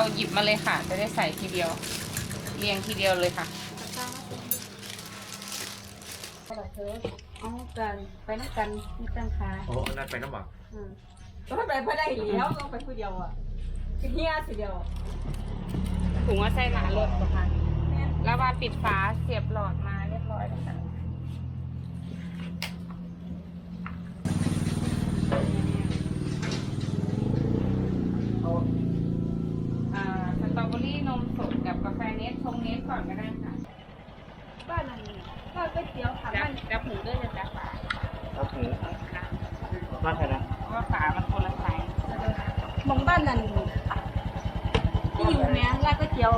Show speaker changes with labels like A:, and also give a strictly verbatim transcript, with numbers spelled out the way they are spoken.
A: หยิบมาเลยค่ะ จะได้ใส่ทีเดียว เรียงทีเดียวเลยค่ะ
B: เอากันไปน้ำกันมีตังคา
C: โอ้นั่นไปน้ำหมัก
B: อืมก็ไปไม่ได้แล้วต้องไปผู้เดียวอ่ะเฮียสิเดียว
A: ถุงว่าใส่หนารถก่อนค่ะแล้วว่าปิดฝาเสียบหลอดมาเรียบร้อยแล้วค่ะอ่าสตรอเบอรี่นมสดกับกาแฟเนสชงเนสก่อนก็ได้ค่ะ
B: บ้านนั้นบ้านก๋วยเตี๋ยวค่ะ
A: จั
B: บ้า
A: บ
B: น
A: จับหูด้วยจะจับฝา
C: ครับหู
A: ค่ะ
C: มากเลยนะ
A: เพราะว่าฝามันคนละไซส์
B: มองบ้านนั้นที่อยู่แม่ร้านก๋วยเตี๋ยว